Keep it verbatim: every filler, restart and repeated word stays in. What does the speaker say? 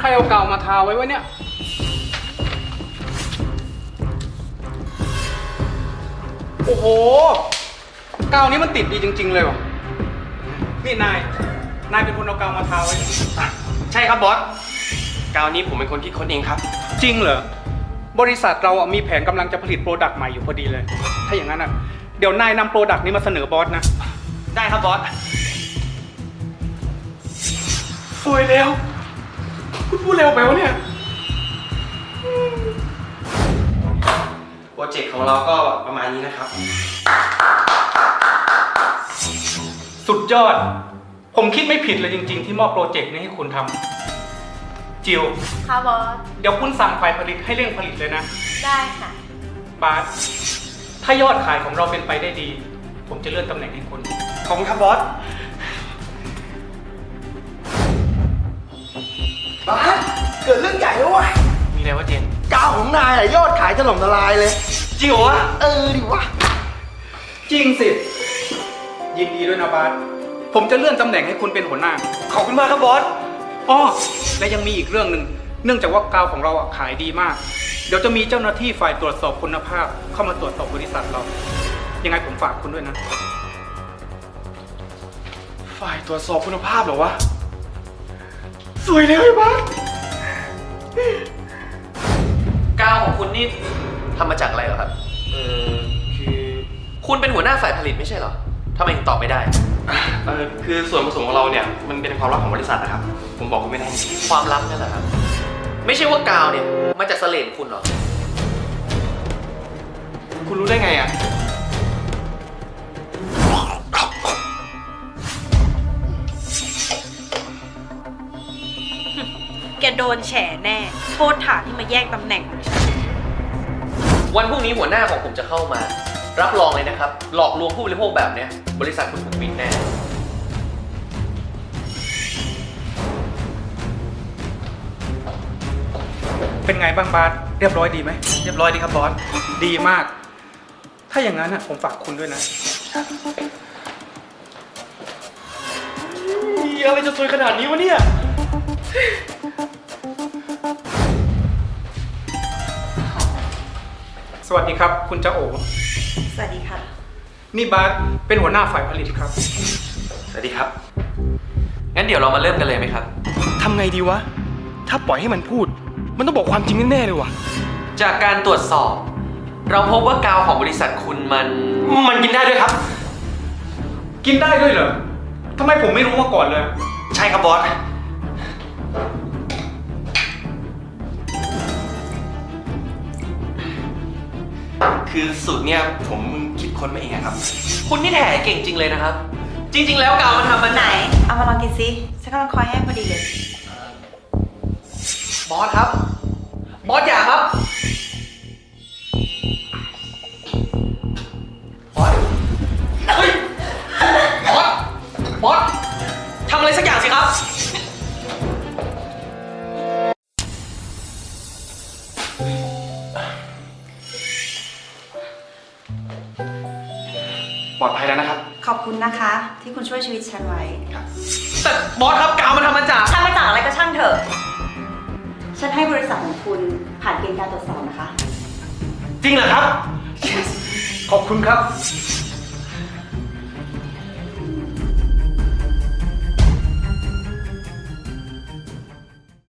รเอากาวมาทาไว้วะเนี่ยโอ้โหกาวนี้มันติดดีจริงๆเลยวะนี่นายนายเป็นคนเอากาวมาทาไว้ใช่ครับบอสกาวนี้ผมเป็นคนคิดค้นเองครับจริงเหรอบริษัทเราอ่ะมีแผนกำลังจะผลิตโปรดักต์ใหม่อยู่พอดีเลยถ้าอย่างนั้นอ่ะเดี๋ยวนายนำโปรดักต์นี้มาเสนอบอสนะได้ครับบอสสวยแล้วคุณพูดเร็วไปวะเนี่ยโปรเจกต์ของเราก็ประมาณนี้นะครับสุดยอดผมคิดไม่ผิดเลยจริงๆที่มอบโปรเจกต์นี้ให้คุณทำจิวค่ะบอสเดี๋ยวคุณสั่งฝ่ายผลิตให้เร่งผลิตเลยนะได้ค่ะบาสถ้ายอดขายของเราเป็นไปได้ดีผมจะเลื่อนตำแหน่งให้คุณขอบคุณครับบอสบาสเกิดเรื่องใหญ่แล้ววะมีอะไรวะเจนกาวของนายอะยอดขายถล่มทลายเลยจริงเหรอวะเออดิวะจริงสิยินดีด้วยนะบาสผมจะเลื่อนตำแหน่งให้คุณเป็นหัวหน้าขอบคุณมากครับบอสอ้อและยังมีอีกเรื่องหนึ่งเนื่องจากว่ากาวของเราอะขายดีมากเดี๋ยวจะมีเจ้าหน้าที่ฝ่ายตรวจสอบคุณภาพเข้ามาตรวจสอบบริษัทเรายังไงผมฝากคุณด้วยนะฝ่ายตรวจสอบคุณภาพเหรอวะสวยเลยไอ้บ้ากาวของคุณนี่ทำมาจากอะไรเหรอครับเออคือคุณเป็นหัวหน้าฝ่ายผลิตไม่ใช่เหรอทำไมถึงตอบไม่ได้เออคือส่วนผสมของเราเนี่ยมันเป็นความลับของบริษัทนะครับผมบอกคุณไม่ได้ความลับนั่นแหละครับไม่ใช่ว่ากาวเนี่ยมาจากเสลดคุณหรอคุณรู้ได้ไงอ่ะแกโดนแฉแน่โทษฐานที่มาแย่งตำแหน่งของฉันวันพรุ่งนี้หัวหน้าของผมจะเข้ามารับรองเลยนะครับหลอกลวงผู้บริโภคแบบเนี้ยบริษัทคุณถูกปิดแน่เป็นไงบ้างบาสเรียบร้อยดีไหมเรียบร้อยดีครับบอสดีมากถ้าอย่างนั้นนะผมฝากคุณด้วยนะอะไรจะสวยขนาดนี้วะเนี่ยสวัสดีครับคุณเจ้าโอสวัสดีค่ะนี่บาสเป็นหัวหน้าฝ่ายผลิตครับสวัสดีครับงั้นเดี๋ยวเรามาเริ่มกันเลยไหมครับทำไงดีวะถ้าปล่อยให้มันพูดมันต้องบอกความจริงแน่ๆเลยว่ะจากการตรวจสอบเราพบว่ากาวของบริษัทคุณมันมันกินได้ด้วยครับกินได้ด้วยเหรอทำไมผมไม่รู้มาก่อนเลยใช่ครับบอสคือสูตรเนี่ยผมคิดค้นมาเองครับคุณนี่แถเก่งจริงเลยนะครับจริงๆแล้วกาวมันทำมันไหนเอามาลองกินซิฉันกำลังคอยแห้งพอดีเลยบอสครับบอสอย่าครับบอสเฮ้ยบอสบอสทำอะไรสักอย่างสิครับปลอดภัยแล้วนะครับขอบคุณนะคะที่คุณช่วยชีวิตฉันไว้ครับแต่บอสครับกาวมันทำมาจากทำมาจากอะไรก็ช่างเถอะฉันให้บริษัทของคุณผ่านเกณฑ์การตรวจสอบนะคะจริงเหรอครับขอบคุณครับ